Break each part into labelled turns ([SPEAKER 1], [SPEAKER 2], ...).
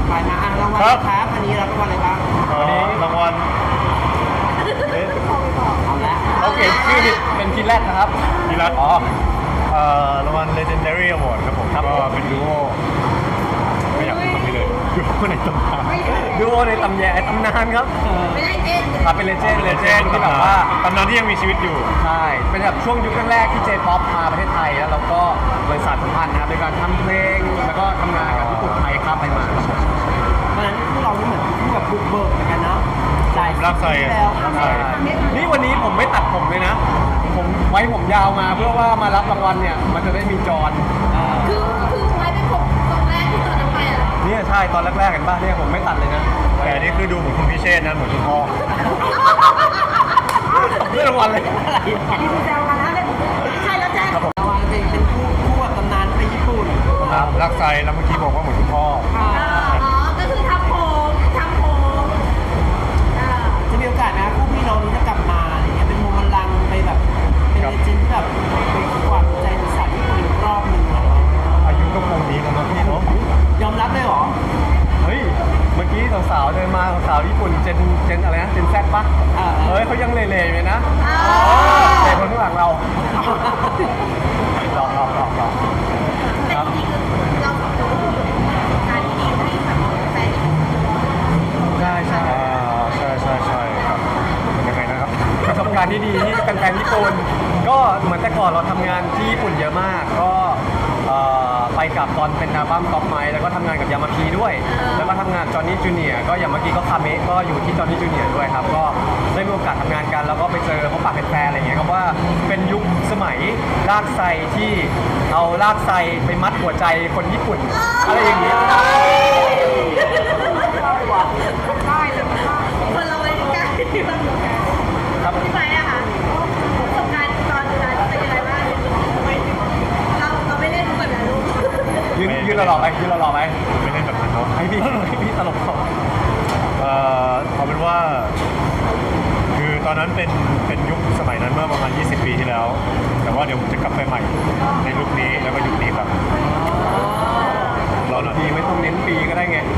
[SPEAKER 1] ไปมารางวัลครับอันนี้รับรางวัลอะไรบ้าง
[SPEAKER 2] วันนี้รางวัล
[SPEAKER 1] เอาละ
[SPEAKER 3] เขาเขียนชื่อเป็นทีแรกนะครับ
[SPEAKER 2] ทีรัตรางวัล Legendary Award ครับผมก็เป็นดูโอไม่อยากพูดคำนี้เลยดูโอในตำนาน
[SPEAKER 3] ดูโอในตำนานครับ
[SPEAKER 4] ไม่ได้เจน
[SPEAKER 3] ครับเป็นเลเจนด์ที่แบบว่า
[SPEAKER 2] ตำนานที่ยังมีชีวิตอยู่
[SPEAKER 3] ใช่เป็นแบบช่วงยุคแรกๆที่ J-POP มาประเทศไทยแล้วเราก็บริษัทสัมพันธ์นะครับในการทำเพลงแล้วก็ทำงานกับญี่ปุ่นไทยข้ามไปมา
[SPEAKER 1] เพราะฉะนั้นพวกเรานี่เหมือนคู่แบบบุกเบิกเหมือนกันเนาะหลาย
[SPEAKER 2] รักใส่
[SPEAKER 1] ปีแล้ว
[SPEAKER 2] ใช่
[SPEAKER 3] นี่วันนี้ผมไม่ตัดผมเลยนะ ผมไว้ผมยาวมาเพื่อว่ามารับรางวัลเนี่ยมันจะได้มีจร
[SPEAKER 4] คือไว้เป็นผมตรงแรกที่ตอนนั้นไปอ่ะ
[SPEAKER 3] เนี่ยใช่ตอนแรกๆเห็นป่ะเนี่ยผมไม่ตัดเลยนะ
[SPEAKER 2] แต่อันนี่คือดูเหมือนคุณพิเชษนะเหมือนคุณพ่อ
[SPEAKER 3] เรื่องรางวัลเลย
[SPEAKER 1] ที่คุณแซวกันนะเลย
[SPEAKER 4] ใช่แล้วแจ้ง
[SPEAKER 1] รางวัลเป็นคู่แบบตำนานไปญี่ปุ่น
[SPEAKER 2] รักใส่แล้วเมื่อกี้บอกว่าเหมือนคุณพ่อ
[SPEAKER 4] อ๋อก็คือทำผม
[SPEAKER 1] จะมีโอกาสนะคู่พี่น้องนี้จะกลับมาอะไรเงี้ยเป็นโมมันลังไปแบบเป็นเลเจนด์ที่แบบไปกวาดใจสาวญี่ปุ่นอีกรอบหนึ่งอะไรเงี้ย
[SPEAKER 2] อายุก็คงนี้แล้วนะพี่เนาะ
[SPEAKER 1] ยอมรับเลยเหรอ
[SPEAKER 3] เฮ้ยเมื่อกี้สาวๆเดินมาสาวๆญี่ปุ่นเจนอะไรนะเจนแซดปะเฮ้ยเขายังเล่ๆเลยนะเล่คนข้างหลังเราหลอก
[SPEAKER 4] แต่จริงๆเราสองคนการที่ดีให้แบบแฟน
[SPEAKER 3] ใช่ใช่
[SPEAKER 2] ใช่ครับยังไงนะครับ
[SPEAKER 3] ประสบการณ์ที่ดีที่แฟนๆญี่ปุ่นก็เหมือนแต่ก่อนเราทำงานที่ญี่ปุ่นเยอะมากก็ไปกับตอนเป็นอัลบั้มก๊อปไมค์แล้วก็ทำงานกับยามาพีด้วย แล้วก็ทำงานจอห์นนี่จูเนียร์ก็อย่างเมื่อกี้ก็คาเมะก็อยู่ที่จอห์นนี่จูเนียร์ด้วยครับก็ได้มีโอกาสทำงานกันแล้วก็ไปเจอพบปะแฟนๆอะไรเงี้ยครับว่าเป็นยุคสมัยลากไซที่เอาลากไซไปมัดหัวใจคนญี่ปุ่นอะไรอย่างเงี้ย
[SPEAKER 4] คนเราไม่กล้าที่มัน
[SPEAKER 3] ครับ
[SPEAKER 4] ที่ไปอะค่ะประสบการณ์ตอนนั้นเป็นยังไงบ้างเราไม่เล่นเหมือนกันลูก
[SPEAKER 3] ยืนหล่อๆไปยืนหล่อๆไป
[SPEAKER 2] ไม่เล่นแบบนั้นเนาะ
[SPEAKER 3] ให้พี่ตลกเขา
[SPEAKER 2] เอาเป็นว่า คือตอนนั้นเป็นยุคสมัยนั้นเมื่อประมาณ 20 ปีที่แล้ว แต่ว่าเดี๋ยวผมจะกลับไปใหม่ในยุคนี้แล้วก็ยุคนี้ครับเราหน่อย
[SPEAKER 3] ปีไม่ต้องเน้นปีก็ได้ไง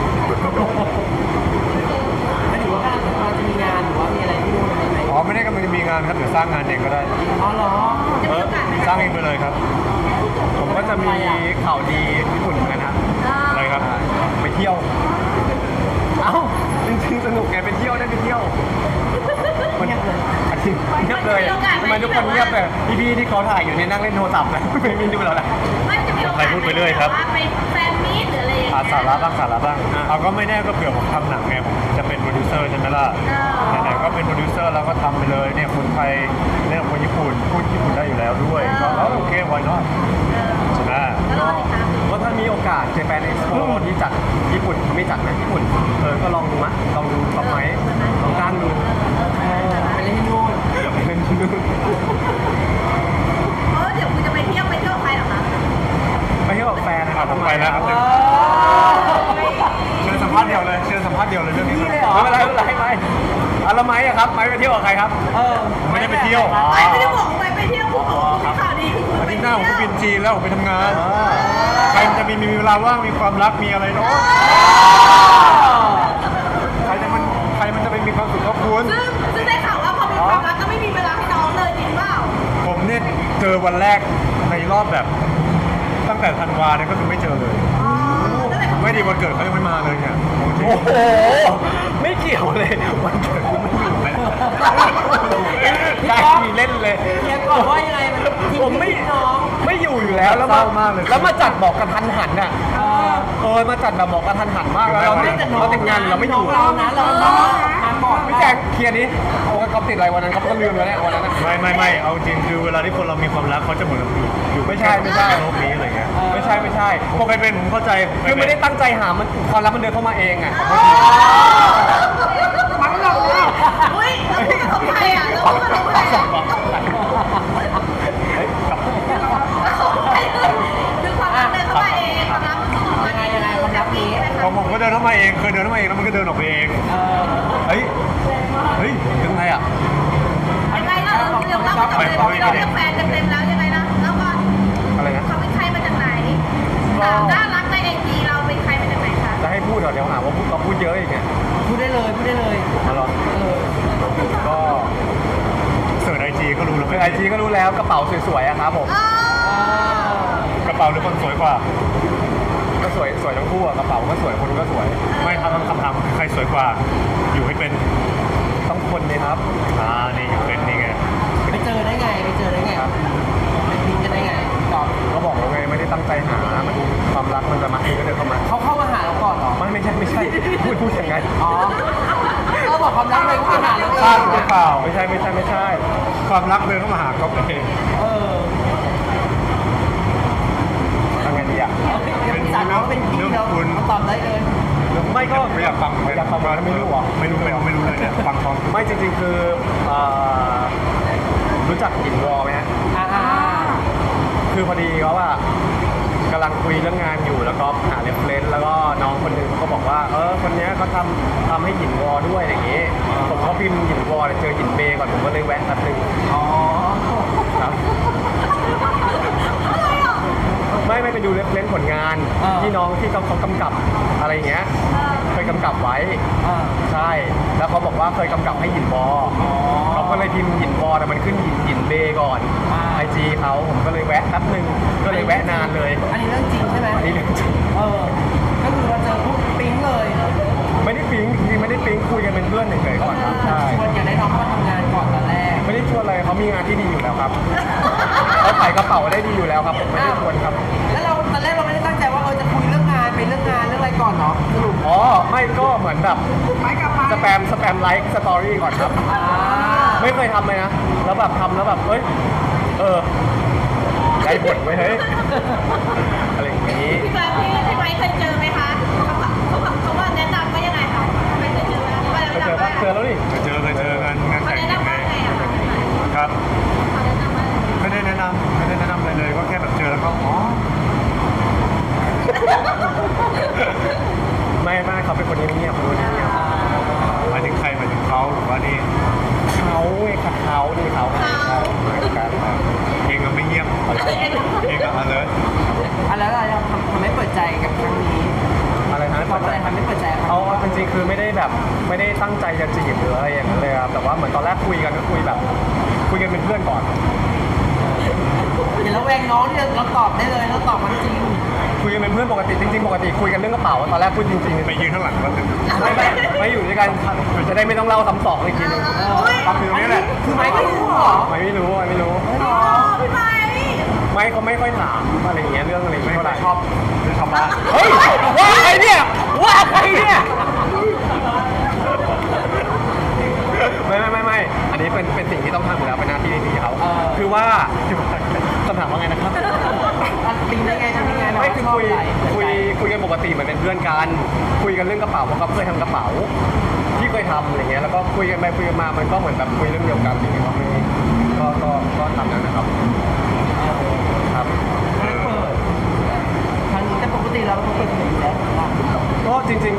[SPEAKER 1] ไม่ถือว่าการจะมีงานหรือว่ามีอะไรที่นู่นอะไรไหม
[SPEAKER 2] อ๋อไม่ได้กำลังจะมีงานครับเดี๋ยวสร้างงานเองก็ได้
[SPEAKER 1] อ๋อเหรอ
[SPEAKER 2] สร้างเองไปเลยครับ
[SPEAKER 3] ผมก็จะมีข่าวดีญี่ปุ่นเหมือนกันครับ
[SPEAKER 2] อะไรครับ
[SPEAKER 3] ไปเที่ยว เอ้าจริงๆสนุกไงไปเที่ยวได้ไปเที่ยวมันเงียบเลยเงียบเลยทำไมทุกคนเงียบเลยพี่ๆที่เขาถ่ายอยู่เนี่ยนั่งเล่นโทรศัพท์นะไม่ดูเราแหละ
[SPEAKER 4] ไม่จะมีโอกาสไปแฟนมีตหรืออะไรอย่างเงี้ย
[SPEAKER 2] สาระบ้างเอาก็ไม่แน่ก็เผื่อผมทำหนังไงผมจะเป็นโปรดิวเซอร์ใช่ไหมล่ะไหนๆก็เป็นโปรดิวเซอร์แล้วก็ทำไปเลยเนี่ยคนไทยเล่นกับคนญี่ปุ่นพูดญี่ปุ่นได้อยู่แล้วด้วยก็โอเคไว้เนาะใช่ไหม
[SPEAKER 3] ก็ถ้ามีโอกาส Japan Expo ที่จัดญี่ปุ่นไม่จัดนะญี่ปุ่นก็ลองดูมั้ยลองดูต่อไหมลองจ้างดู
[SPEAKER 1] ไปเล่นที่นู่น
[SPEAKER 3] ไปเล่นที่นู่น
[SPEAKER 4] เดี๋ยวคุณจะไปเที่ยวใครหรอคะ
[SPEAKER 3] ไปเที่ยวกับแฟนนะครับ
[SPEAKER 2] ผมไปแล้วครับเชิญสัมภาษณ์เดียวเลยเชิญสัมภาษณ์เดียวเลยเรื่องนี้
[SPEAKER 1] นี่เลยเหรอ
[SPEAKER 3] ไม่เป็นไรไม่แล้วไม้อะครับไม้ไปเที่ยวกับใครครับ
[SPEAKER 2] ไม่ได้ไปเที่ยว
[SPEAKER 4] ไม่ได้บอกไปเที่ยวคุณบอกข่าวดีคือคุณ
[SPEAKER 2] อา
[SPEAKER 4] ไป
[SPEAKER 2] ทิตย์ห
[SPEAKER 4] เที่
[SPEAKER 2] น้า
[SPEAKER 4] ยว
[SPEAKER 2] ผมก็บินจีนแล้วผมไปทำงาน ใครมันจะมีเวลาว่างมีความรักมีอะไรเนาะใครมันจะไปมีความสุขกับคุณ
[SPEAKER 4] ซึ่งได้ข่าวว่าพอมีความรักก็ไม่มีเวลาให้น้องเลยจริงเปล่า
[SPEAKER 2] ผมเนี่ยเจอวันแรกในรอบแบบตั้งแต่ธันวาเนี่ยก็คือไม่เจอเลย ไม่ดีวันเกิดเขายังไม่มาเลยเนี่ย
[SPEAKER 3] โอ้โหไม่เกี่ยวเลยวันเกิดคุณไม่อยู่เลยได้ทีเล่นเลย
[SPEAKER 1] เฮียก่อนว่ายังไงมัน
[SPEAKER 3] ผมไม่อยู่แล้ว
[SPEAKER 2] เศร้ามากเลย
[SPEAKER 3] แล้วมาจัดบอกกระทันหันอ่ะมาจัดแบบบอกกระทันหันมากแล้วเราติดงานเราไม่อยู่
[SPEAKER 1] เรานะเราต้องมาก่อน
[SPEAKER 3] พี่แจ็คเคลียร์นี้โอ้เขาติดอะไรวันนั้นเขาก็ลืมแล้วเนี่ยวันนั้น
[SPEAKER 2] ไม่เอาจริงคือเวลาที่คนเรามีความรักเขาจะเหมือนอยู่ไม่ใช่โลกนี้อะไรเงี้ย
[SPEAKER 3] ไม่ใช่
[SPEAKER 2] ผมเคยเป็นผมเข้าใจ
[SPEAKER 3] คือไม่ได้ตั้งใจหามันความรักมันเดินเข้ามาเองอ่ะ
[SPEAKER 1] มันหลอกเรา
[SPEAKER 4] อุ้ยเราพูดกับใครอ่ะเราพูดกับใครอ่ะคือความรักเดินเข้ามาเองความรักมันคือความรักนี้
[SPEAKER 2] ของผมก็เดินเข้ามาเองเคยเดินเข้ามาเองแล้วมันก็เดินออกไปเอง
[SPEAKER 3] เฮ้ยยังไงอ่ะ
[SPEAKER 4] ยังไงล่ะเราเล่ากับเลยเราเรียกแฟนเต็มๆแล้วยังไงนะแล้วก่อน
[SPEAKER 3] อะไรนะ
[SPEAKER 4] เขาเป็นใครมาจากไหนถามน่ารักในไอจีเราเป็นใครมาจากไหนคะ
[SPEAKER 3] จะให้พูดเดี๋ยวหาว่าเราพูดเยอะอีกเนี่ย
[SPEAKER 1] พูดได้เลยพูดได้เลย
[SPEAKER 3] มาลอง
[SPEAKER 1] เออ
[SPEAKER 3] ก็
[SPEAKER 2] เสิร์ชไอจีก็รู้แล้ว
[SPEAKER 3] คือไอจีก็รู้แล้วกระเป๋าสวยๆอะครับผม
[SPEAKER 2] กระเป๋าหรือคนสวยกว่า
[SPEAKER 3] ก็สวยทั้งคู่อะกระเป๋าก็สวยคนก็สวย
[SPEAKER 2] ไม่ครับคำถามคือใครสวยกว่า อยู่ให้เป็น
[SPEAKER 3] ต้องคนเลยครับ
[SPEAKER 2] นี่อยู่เป็นนี่ไง
[SPEAKER 1] ไปเจอได้ไงไปเจอได้ไงไปพิงกันได้ไงตอบ
[SPEAKER 3] ก็บอกแล้วไงไม่ได้ตั้งใจหามันความรักมันจะมาเองก็เดินเข้ามา
[SPEAKER 1] เขาเข้ามาหาเราก่อนเหรอ
[SPEAKER 3] ไม่ใช่พูดยังไง
[SPEAKER 1] อ๋อเราบอกความรักเลยเข้ามาหาเราเอ
[SPEAKER 2] พลาด
[SPEAKER 1] ง
[SPEAKER 2] หรือเปล่า
[SPEAKER 3] ไม่ใช่
[SPEAKER 2] ความรักเดินเข้ามาหาก๊อฟเอง
[SPEAKER 1] เออ
[SPEAKER 3] ทำไงดีอะ
[SPEAKER 1] เป็นสาวน้องเป็นพี่เราตอบได้เลย
[SPEAKER 3] ไม่ก็
[SPEAKER 2] ไม่อยากฟัง
[SPEAKER 3] อยากฟังมาไม่รู้เหรอ
[SPEAKER 2] ไม่รู้เลยเนี่ยฟังฟัง
[SPEAKER 3] ไม่จริงๆคือรู้จักหยินวอไหมฮะ คือพอดีเขาอะกำลังคุยเรื่องงานอยู่แล้วก็หาเรฟเฟรนซ์แล้วก็น้องคนหนึ่งเขาก็บอกว่าคนเนี้ยเขาทำให้หยินวอด้วยอย่างงี้ผมก็พิมพ์หยินวอแต่เจอหยินเบย์ก่อนผมก็เลยแวะแป๊บนึง
[SPEAKER 1] อ๋อ
[SPEAKER 3] ครับไม่ไปดูเรฟเฟรนซ์ผลงานที่น้องที่เขากำกับอะไรอย่างเงี้ยเคยกำกับไว้ ใช่ แล้วเขาบอกว่าเคยกำกับให้หยินวอเขาก็เลยพิมพ์หยินวอแต่มันขึ้นหยินเบย์ก่อนไอจีเขาผมก็เลยแวะแป๊บนึงก็เลยแวะนานเลย
[SPEAKER 1] อันนี้เรื่องจริงใช่ไหม
[SPEAKER 3] อันนี้เรื่องจริง
[SPEAKER 1] ก็คือเราเจอปุ๊บปิ๊งเลย
[SPEAKER 3] ไม่ได้ปิ๊งจริงๆไม่ได้ปิ๊งคุยกันเป็นเพื่อนเฉยๆก่อนครับใช่
[SPEAKER 1] ชวนอยากได้น้องมาทำงานก่อนตอนแรก
[SPEAKER 3] ไม่ได้ชวนอะไรเขามีงานที่ดีอยู่แล้วครับเขาขายกระเป๋าได้ดีอยู่แล้วครับผมไม่ได้ชวนครับ
[SPEAKER 1] แล้วเราตอนแรกเราไม่ได้ตั้งใจว่าจะคุยเรื่องงานไปเรื่องงานเรื่องอะไรก่อนเนาะสรุป
[SPEAKER 3] อ๋อไม่ก็เหมือนแบบ
[SPEAKER 1] ไปกลับมา
[SPEAKER 3] สแปมไลค์สตอรี่ก่อนครับ ไม่เคยทำเลยนะแล้วแบบทำแล้วแบบเฮ้ยได้ผลไว้เฮ้ยอะไรอย่างนี้
[SPEAKER 4] พี่ไม้เคยเจอไหมคะเขาว่าแนะนำว่ายังไงคะไม่เคยเจอแล้ว
[SPEAKER 3] ไปเจอปะเจอแล้วนี่
[SPEAKER 2] เจอกันงาน
[SPEAKER 4] เขา
[SPEAKER 2] แต่ง
[SPEAKER 4] แนะ
[SPEAKER 2] ยัง
[SPEAKER 4] นำ
[SPEAKER 2] ไง
[SPEAKER 4] ว่าไงอะคะ
[SPEAKER 2] ครับ
[SPEAKER 4] เขาแนะนำว่า
[SPEAKER 2] ไม่ได้แนะนำอะไรเลยก็แค่แบบเจอแล้วก็อ๋อ
[SPEAKER 3] ไม่เขาเป็นคนเงียบๆคนเงียบ
[SPEAKER 2] หมายถึงใครหมายถึงเขาหรือว่านี่
[SPEAKER 3] เขาไงครับเขานี่เขาเหมือนกัน
[SPEAKER 2] เองก็ไม่เงียบเองก็alert
[SPEAKER 1] แล้วเราทำให้เปิดใจกับครั้งนี้
[SPEAKER 3] อะไรนะ
[SPEAKER 1] ความอะไรทำให้เปิดใจครับ
[SPEAKER 3] เอาจริงๆคือไม่ได้แบบไม่ได้ตั้งใจจะจีบหรืออะไรอย่างนั้นเลยครับแต่ว่าเหมือนตอนแรกคุยกันก็คุยกันเป็นเพื่อนก่อน
[SPEAKER 1] เดี๋ยวเราแวงน้องที่เราตอบได้เลยเราตอบมันจริง
[SPEAKER 3] คุยกันเป็นเพื่อนปกติจริงๆปกติคุยกันเรื่องกระเป๋าตอนแรกพูดจริงๆ
[SPEAKER 2] ไปยืนข้างหลังแล้วถึง
[SPEAKER 3] ไม่อยู่ด้วยกันจะได้ไม่ต้องเล่าซ้ำสองอีกทีนึง
[SPEAKER 2] ฟังอยู่นี่แหละ
[SPEAKER 1] คือไม้ก็รู้เหรอ
[SPEAKER 3] ไม่รู้
[SPEAKER 4] พี่ไม้
[SPEAKER 3] ไม่เขาไม่ค่อยถามอะไรอย่างเงี้ยเรื่องอะไรอย่าง
[SPEAKER 2] ไม่
[SPEAKER 3] เงี้ยเท่าไหร่
[SPEAKER 2] ชอบบ้าน
[SPEAKER 3] เฮ้ยว่าใครเนี่ยไม่อันนี้เป็นสิ่งที่ต้องทำอยู่แล้วเป็นหน้าที่ดีเขาคือว่าคำถามว่าไงนะครับ
[SPEAKER 1] ปิงได้ไงทำยังไง
[SPEAKER 3] ไม่คือคุยกันปกติเหมือนเป็นเพื่อนกันคุยกันเรื่องกระเป๋าเพราะเขาเคยทำกระเป๋าที่เคยทำอะไรเงี้ยแล้วก็คุยกันไปคุยกันมามันก็เหมือนแบบคุยเรื่องเดียวกันอย่างเงี้ยก็ทำนั้นนะครับครับ
[SPEAKER 1] เปิดทางนี้แต่ปกติเราเปิดเผยอยู่แล้ว
[SPEAKER 3] ก็จริง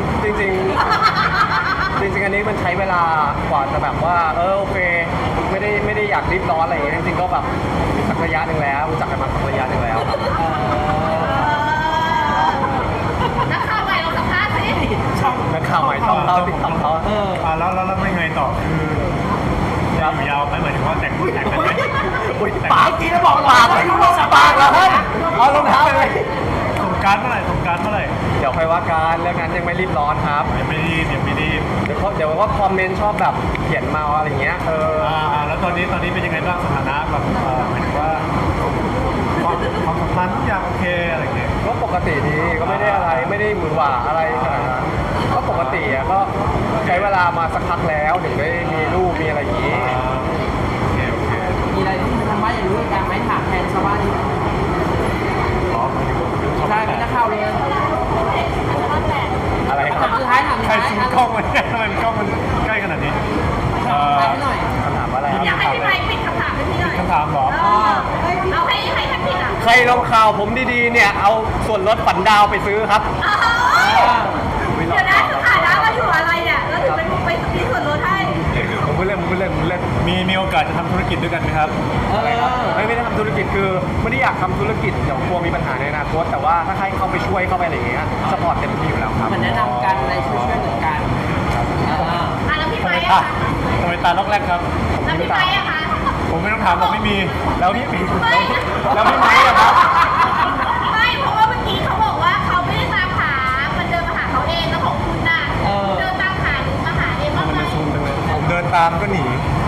[SPEAKER 3] อันนี้มันใช้เวลากว่าจะแบบว่าโอเคไม่ได้อยากรีบร้อนอะไรอย่างเงี้ยจริงๆก็แบบสักระยะหนึ่งแล้วรู้จักกันมาสักระยะหนึ่งแล้วครับ
[SPEAKER 4] นักข่าวใหม่เราสัมภาษณ์สิ
[SPEAKER 3] นักข่าวใหม่ช่องเขาติดต่อเขา
[SPEAKER 2] แล้วไม่ไงต่อคือยาวไหมหมายถึงว่าแต่งกันไหม
[SPEAKER 3] อุ้ย
[SPEAKER 1] ปากจริงแล้วบอก
[SPEAKER 3] ปากเลยปากเหรอเฮ้ยเอารองเท้าเลย
[SPEAKER 2] สงการเมื่อไหร่
[SPEAKER 3] เดี๋ยวค่อยว่ากันเรื่องนั้นยังไม่รีบร้อนครับ
[SPEAKER 2] ยังไม่รีบ
[SPEAKER 3] เดี๋ยวว่าคอมเมนต์ชอบแบบเขียนมาอะไรเงี้ย
[SPEAKER 2] แล้วตอนนี้เป็นยังไงบ้างสถานะแบบหมายถึงว่าความสัมพันธ์ทุกอย่างโอเคอะไรอย่างเงี้ย
[SPEAKER 3] ก็ปกติดีก็ไม่ได้อะไรไม่ได้มือหวาอะไรขนาดนั้นก็ปกติอ่ะก็ใช้เวลามาสักพักแล้วถึงได้มีลูกมีอะไรอย่างงี้
[SPEAKER 2] โอเค
[SPEAKER 1] มีอะไรที่ทำว่าอย่างรู้การไม่ถามแทนชาวบ้านนี่ใช่ไม่นักข่าวเลย
[SPEAKER 3] อะไรค
[SPEAKER 1] ถา
[SPEAKER 3] รับ
[SPEAKER 1] มสุดท้ายถาม
[SPEAKER 2] ใครซูมกล้องมันเนี่ยทำไมกล้องมันใกล้ขนาดนี้
[SPEAKER 1] ถามหน่อย
[SPEAKER 3] คำถามว่าอะไรครับ
[SPEAKER 4] อยากให้พี่ไม้ปิดคำถามให้พี่หน่อย
[SPEAKER 2] คำถามเหรอ
[SPEAKER 4] เอาให้ท่านปิดอ่ะ
[SPEAKER 3] ใครลงข่าวผมดีๆเนี่ยเอาส่วนลดฝันดาวไปซื้อครับ
[SPEAKER 4] เดี๋ยวนะสถานะเราอยู่อะไรเนี่ยเราถึงไปมีส่วนลดให้
[SPEAKER 3] ผมพูดเล่น
[SPEAKER 2] มีโอกาสจะทำธุรกิจด้วยกันไหมครับ
[SPEAKER 3] ไม่ได้ทำธุรกิจคือไม่ได้อยากทำธุรกิจเดี๋ยวกลัวมีปัญหาในอนาคตแต่ว่าถ้าใครเข้าไปช่วยเข้าไปอะไรอย่างเงี้ยสปอร์ตเต็มที่อยู่แล้วครับ
[SPEAKER 1] เหมือนแนะนำกัน
[SPEAKER 2] อ่ะทำไมตาล็อกแรกครับ
[SPEAKER 4] แล้วพี่ไม้อะคะ
[SPEAKER 2] ผมไม่ต้องถามหรอกไม่มีแล้วพี่
[SPEAKER 4] ไม่
[SPEAKER 2] แล้วพี่ไม้อะครับ
[SPEAKER 4] ไม่เพราะว่าเมื่อกี้เขาบอกว่าเขาไม่ได้ตามหา มันเดินมาหาเขาเองแล้วของคุณน่ะเดินตามหาหรือมาหาเองบ้างไหม
[SPEAKER 2] ผมเดินตามก็หนี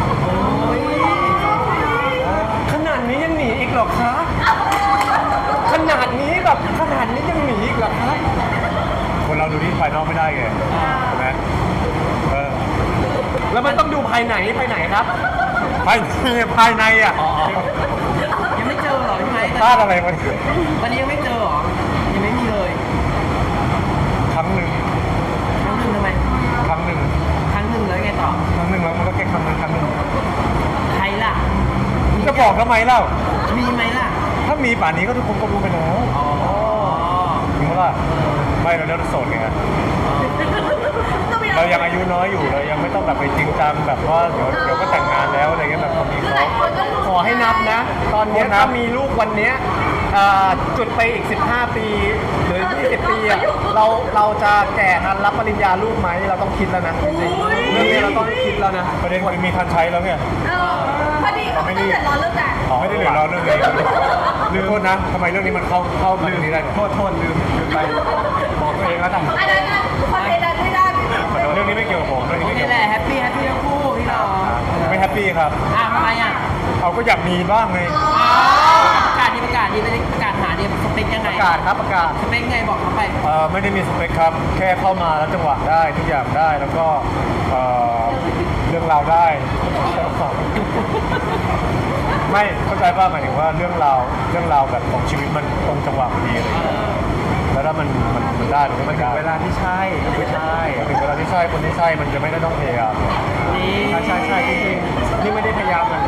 [SPEAKER 3] ขนาดนี้ยังหนีอีกเหรอคะขนาดนี้แบบขนาดนี้ยังหนีอีกเหรอคะ
[SPEAKER 2] คนเราดูที่ภายนอกไม่ได้ไงใช่ไหมเออ
[SPEAKER 3] แล้วมันต้องดูภายไหนครับ
[SPEAKER 2] ภายในอ่ะ
[SPEAKER 1] ยังไม่เจอเหรอพี่ไม้
[SPEAKER 2] พลาดอะไรมา
[SPEAKER 1] ตอนนี้ยังไม่เจอเหรอยังไม่มีเลย
[SPEAKER 2] ครั้งหนึ่ง
[SPEAKER 1] ครั้งหนึ่งทำไม
[SPEAKER 2] ครั้งหนึ่ง
[SPEAKER 1] ครั้งหนึ่งแล้วไงต่อ
[SPEAKER 2] ครั้งหนึ่งแล้วมันก็แค่ครั้งหนึ่ง
[SPEAKER 1] ใครล่ะ
[SPEAKER 2] จะบอกทำไมเล่า
[SPEAKER 1] มีไหมล่ะ
[SPEAKER 2] ถ้ามีป่านนี้ก็ทุกคนก็รู้ไปแล้ว
[SPEAKER 1] อ๋อ
[SPEAKER 2] จริงปะล่ะไม่เราเลือกโสดไง
[SPEAKER 4] ต้องมี
[SPEAKER 2] เรายังอายุน้อยอยู่เรายังไม่ต้องแบบไปจริงจังแบบว่าเดี๋ยวก็แต่งงานแล้วอะไรเงี้ยแบบคนมี
[SPEAKER 4] คือ
[SPEAKER 2] เขา
[SPEAKER 4] หลายคนก็รู้
[SPEAKER 3] ขอให้นับนะ ตอนเนี้ย
[SPEAKER 2] โทษนะ
[SPEAKER 3] ถ้ามีลูกวันเนี้ยจุดไปอีก 15 ปีหรือ 20 ปีอ่ะเราจะแก่ทันรับปริญญาลูกไหมเราต้องคิดแล้วนะจริงๆเรื่องนี้เราต้องคิดแล้วนะ
[SPEAKER 2] ประเด็นคือมีทันใช้แล้วเนี่ย
[SPEAKER 4] พอดีเขาไม่ได้เดือดร้อนเรื่องแต่ง
[SPEAKER 2] ไม่ได้เดือดร้อนเรื่องนี้ลืมโทษนะทำไมเรื่องนี้มันเข้ามาเรื่องนี้ได้เนี่ย
[SPEAKER 3] โทษลืมไปบอกตัวเองแล้วกัน
[SPEAKER 4] อันนั้นคอนเทนต์นั้นไม่ได้
[SPEAKER 2] เรื่องนี้ไม่เกี่ยวกับผมเรื่องนี้
[SPEAKER 1] โอ
[SPEAKER 2] ไม่
[SPEAKER 1] เค
[SPEAKER 2] เกี่ยว
[SPEAKER 1] แห
[SPEAKER 2] กับ
[SPEAKER 1] ละแฮปปี้ทั้งคู่พี่น้อง
[SPEAKER 2] ผมไม่แฮปปี้ครับ
[SPEAKER 1] ทำไมอ่ะ
[SPEAKER 2] เขาก็อยากมีบ้างไง
[SPEAKER 1] ประกาศดีไม่ได้ประกาศหาดีสเปคยังไง
[SPEAKER 3] ประกาศครับประกาศ
[SPEAKER 1] สเปคไงบอกเขาไป
[SPEAKER 2] ไม่ได้มีสเปคครับ แค่เข้ามาแล้วจังหวะได้ทุกอย่างได้แล้วก็เรื่องราวได้ ไม่เข้าใจป่ะหมายถึงว่าเรื่องราวแบบของชีวิตมันตรงจังหวะพอดีอะไรอย่างเงี้ยแล้วถ้ามันได้มันก็
[SPEAKER 3] มันถึ
[SPEAKER 2] ได้
[SPEAKER 3] งเวลาที่ใช่ไม่ใช่
[SPEAKER 2] ถึงเวลาที่ใช่คนที่ใช่มันจะไม่ได้ต้องพยายาม
[SPEAKER 1] นี่
[SPEAKER 3] ใช่จริงๆนี่ไม่ได้พยายามเลย